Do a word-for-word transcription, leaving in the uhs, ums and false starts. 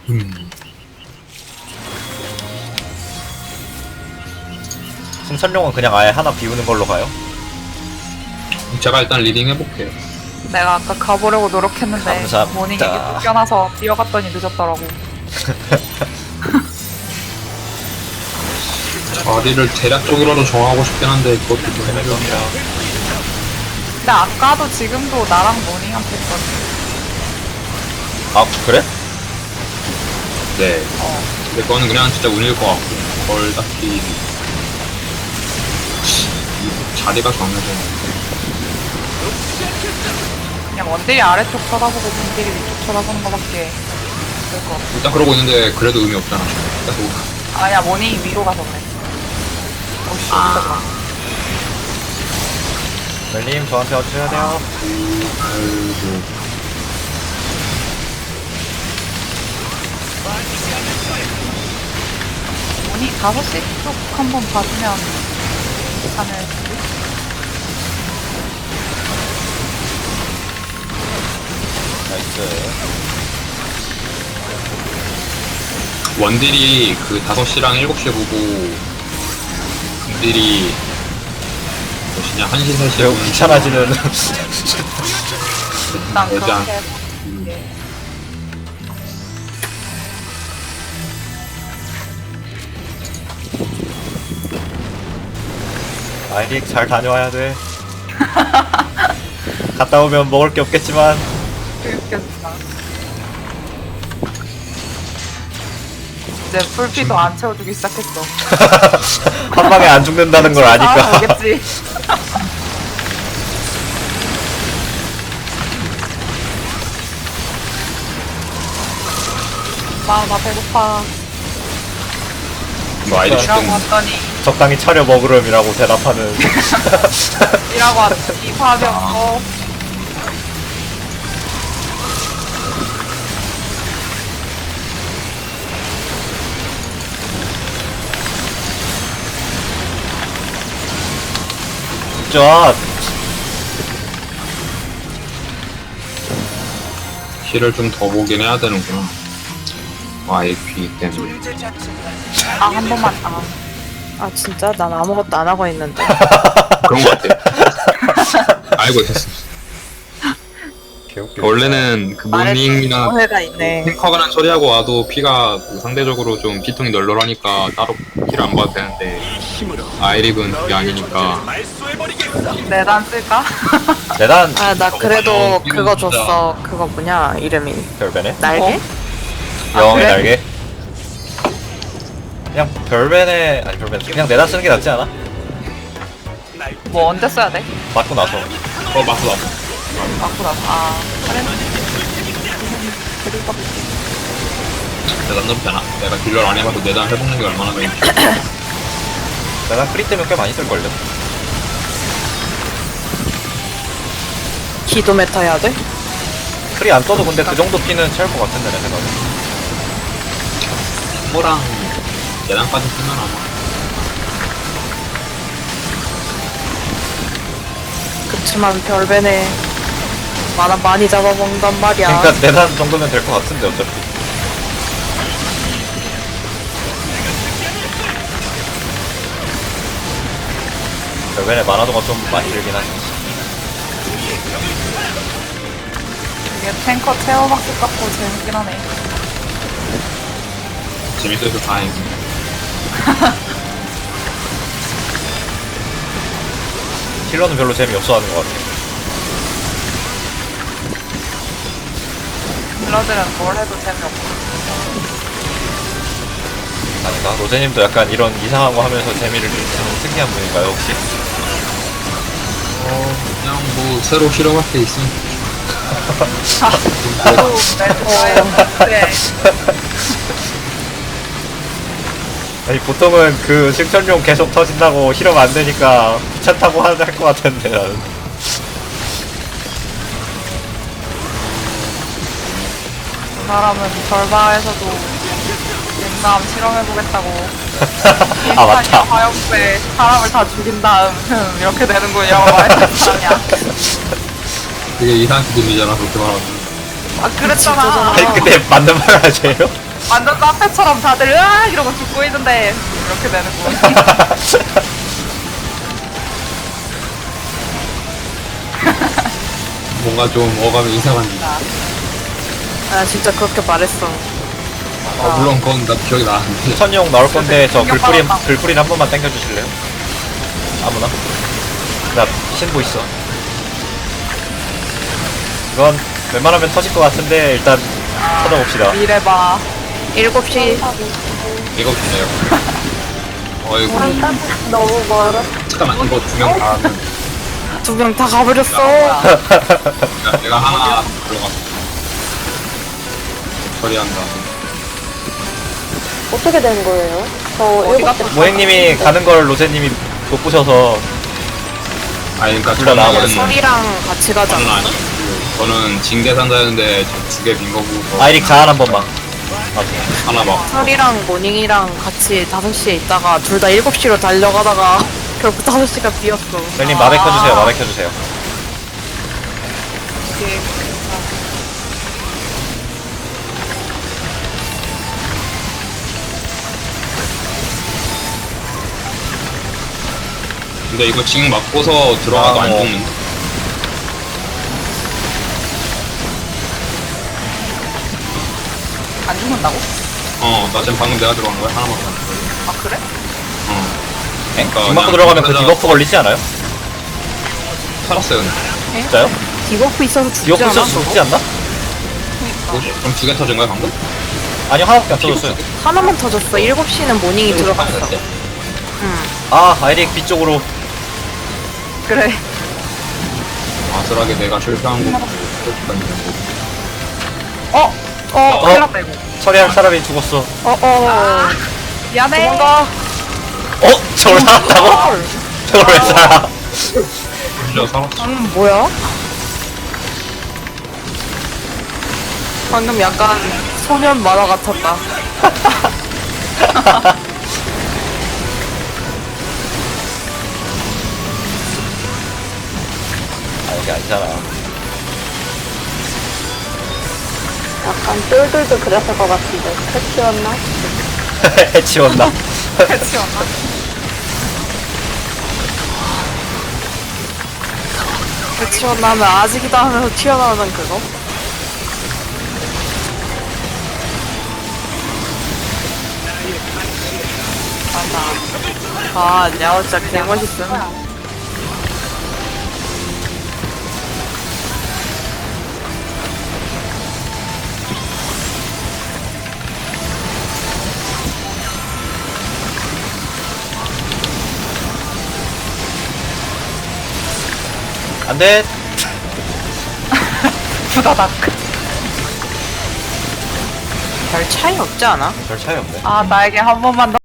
음. 승천용은 그냥 아예 하나 비우는 걸로 가요? 제가 일단 리딩 해볼게요. 내가 아까 가보려고 노력했는데 감사합니다. 모닝이 쫓겨나서 뛰어갔더니 늦었더라고. 자리를 대략적으로도 정하고 싶긴 한데 그것도 좀 힘듭니다. 근데 아까도 지금도 나랑 모닝한테 했거든. 아 그래? 네. 어. 근데 그거는 그냥 진짜 운일 것 같고 뭘 딱히 이 자리가 정해져. 그냥 원딜이 아래쪽 쳐다보고 분딜이 위쪽 쳐다보는 거밖에 될거 없어. 일단 그러고 있는데 그래도 의미 없잖아. 계속 아니야, 모닝이 위로 가서 그래. 어씨, 아. 멜님 저한테 어쩌야 돼요? 아이고. 모닝 다섯 시 쪽 한번 봐주면 괜찮을 텐데. 나이스. 원딜이 그 다섯 시랑 일곱 시에 보고 금딜이 몇시냐 한 시, 세 시 매우 귀찮아지는 일단 일단 그렇게 해볼게. 아이릭 잘 다녀와야 돼. 갔다 오면 먹을 게 없겠지만 웃겼다. 이제 풀피도 안 채워주기 시작했어. 한 방에 안 죽는다는 걸 아, 아니까. 알겠지. 나, 나 배고파. 뭐 아이디 일하고 지금 왔더니, 적당히 차려 먹으렴이라고 대답하는. 일하고 왔더니 밥이 없어. 쫙. 힐을 좀 더 보긴 해야 되는구나. 아이피 때문에. 아, 한 번만, 아. 아 진짜? 난 아무것도 안 하고 있는데. 그런 것 같아. 알고 있었어. 개웃겨. 원래는 그 모닝이나 오해가 있네. 탱커가 처리하고 와도 피가 그 상대적으로 좀 피통이 널널하니까 따로 힐 안 봐도 되는데 아이릭은 그게 아니니까 내단 쓸까? 대단. 아 나 그래도 어, 그거 이거 진짜. 줬어. 그거 뭐냐 이름이 별배네. 날개? 영의 그래? 날개. 그냥 별배네. 아니 별배. 그냥 내다 쓰는 게 낫지 않아? 뭐 언제 써야 돼? 맞고 나서. 어 맞어 맞어. 맞고 나서. 아, 그래? 그리고 내가 나쁘지 않아. 내가 딜러를 안 해봐도 내단 해보는 게 얼마나 되는지. 내가 프리 때문에 꽤 많이 쓸걸요. 기도 메타 해야 돼? 프리 안 떠도 근데 그 정도 피는 채울 것 같은데 내 생각에. 뭐랑 내단까지 쓰면 아마 그치만 별배네. 만화 많이 잡아먹는단 말이야. 그러니까 내단 정도면 될 것 같은데 어차피. 별배네 만화도가 좀 많이 들긴 하지. 이게 탱커 체어박스 같고 재밌긴 하네. 재밌어서 다행이지. 힐러는 별로 재미없어 하는 것 같아. 딜러들은 뭘 해도 재미없고. 아닌가? 로제님도 약간 이런 이상한 거 하면서 재미를 느끼는 특이한 분인가요 혹시? 어 그냥 뭐 새로 실험할 게 있으면 나도 매트에 아니 보통은 그 승천용 계속 터진다고 실험 안 되니까 귀찮다고 할 것 같은데 나는. 그 사람은 절바에서도 옛남 실험해보겠다고 아 맞다. 화염배 사람을 다 죽인 다음 흠, 이렇게 되는군요 말했던 사람이야. 되게 이상하게 들리잖아 그렇게 말하면. 아 그랬잖아. 아니 근데 맞는 말 하세요? 완전 카페처럼 다들 으악 이러고 죽고 있는데 이렇게 되는군. 뭔가 좀 어감이 이상합니다. 아 진짜 그렇게 말했어. 아, 물론 그건 나 기억이 나는데. 천용 나올 건데 저 글뿌리 글뿌리 한 번만 당겨 주실래요? 아무나. 나 신고 있어. 이건 웬만하면 터질 것 같은데 일단 찾아봅시다. 이래봐. 일곱 시 이거 주세요. 어이구. 너무 멀어. 잠깐만, 이거 두 명 다 하면. 두 명 다 가버렸어. 내가, 내가 하나 들어갔어. 처리한다. 어떻게 된 거예요? 저 어디 일곱 시 갔어? 모행님이 가는 걸 로제님이 못 보셔서 아니, 그니까 둘다 나와버렸어. 저는, 설이랑 같이 저는 가잖아. 아니. 저는 징계산자였는데 두 개 빈 거고. 아이릭 자한 한 번만. 오케이. 하나 막. 설이랑 모닝이랑 같이 다섯 시에 있다가 둘 다 일곱 시로 달려가다가 결국 다섯 시가 비었어. 멜님 마백 켜주세요. 마백 켜주세요. 이게 근데 이거 징 맞고서 들어가도 아, 안 뭐. 죽는데. 안 죽는다고? 어, 나 지금 방금 내가 들어간 거야? 하나만 더. 아 그래? 어. 엥? 그러니까 징 맞고 그냥 들어가면 그 혼자 디버프 걸리지 않아요? 살았어요, 근데. 진짜요? 디버프 있어서 죽지 디버프 않아? 있어서 죽지 않나? 뭐, 그럼 두 개 터진 거야, 방금? 아니요 하나밖에 안 터졌어요. 하나만 터졌어. 일곱 시는 모닝이 들어갔어. 응. 아 아이릭 B 쪽으로. 그래. 아슬하게 내가 실패한 거. 어? 어? 큰일 났다 이거. 처리할 사람이 죽었어. 어어. 미안해. 도망가. 어? 저걸 살았다고? 저걸 왜 살아? 진짜 살았어. 음 뭐야? 방금 약간 소년 만화 같았다. 아 이게 아니잖아. 약간 똘똘도 그랬을 것 같은데. 패치였나? 해치웠나? 그치 않나? 그 튀어나오면 아직이다 하면서 튀어나오는 그거? 아, 야, 진짜 개멋있음. 안돼. 부다닥. 별 차이 없지 않아? 별 차이 없네. 아 나에게 한 번만 더